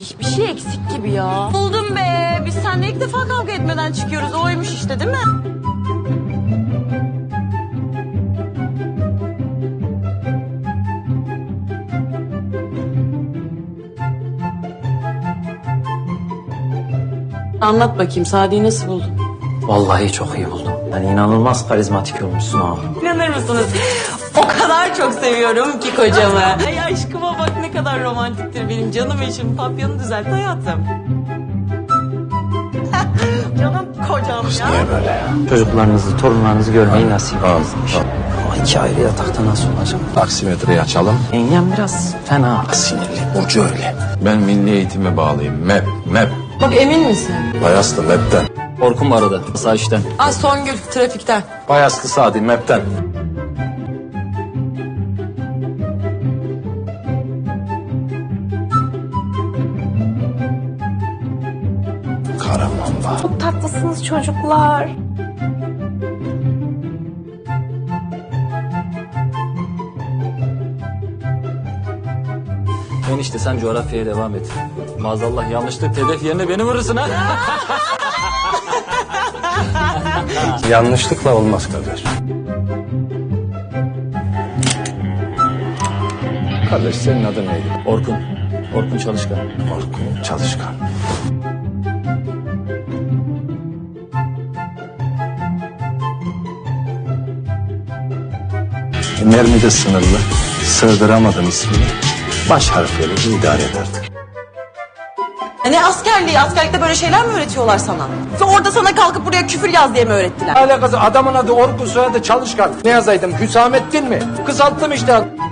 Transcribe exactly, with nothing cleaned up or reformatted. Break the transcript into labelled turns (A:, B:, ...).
A: Bir şey eksik gibi ya. Buldum be. Biz seninle ilk defa kavga etmeden çıkıyoruz. Oymuş işte, değil mi? Anlat bakayım, Sadi'yi nasıl buldun?
B: Vallahi çok iyi buldum. Yani inanılmaz karizmatik olmuşsun ha.
A: İnanır mısınız? O kadar çok seviyorum ki kocamı. Ay aşkıma bak, ne kadar romantiktir benim canım eşim. Papyonu düzelt hayatım. Canım kocam ya.
C: Niye böyle ya?
B: Çocuklarınızı, torunlarınızı görmeyi nasip etmiş. Ama iki ayrı yatakta nasıl olacak?
C: Taksimetreyi açalım.
B: Yengem biraz fena.
C: Sinirli. Burcu öyle. Ben milli eğitime bağlıyım. M E P, M E P.
A: Bak, emin misin?
C: Bayaslı M E P'ten.
B: Orkun mu aradı? Sağ işten.
A: Ay Songül, trafikten.
C: Bayaslı Sadi M E P'ten. Karamamba.
D: Çok tatlısınız çocuklar.
B: Enişte sen coğrafyaya devam et. Maazallah yanlışlık hedef yerine beni vurursun ha.
C: Yanlışlıkla olmaz kardeş. Kardeş senin adın neydi?
B: Orkun. Orkun Çalışkan.
C: Orkun Çalışkan. Mermi de sınırlı. Sığdıramadım ismini. Baş harfleri idare ederdik.
A: Ne askerliği? Askerlikte böyle şeyler mi öğretiyorlar sana? Orada sana kalkıp buraya küfür yaz diye mi öğrettiler?
E: Alakası adamın adı Orkun, soyadı Çalışkan. Ne yazaydım? Hüsamettin mi? Kısalttım işte.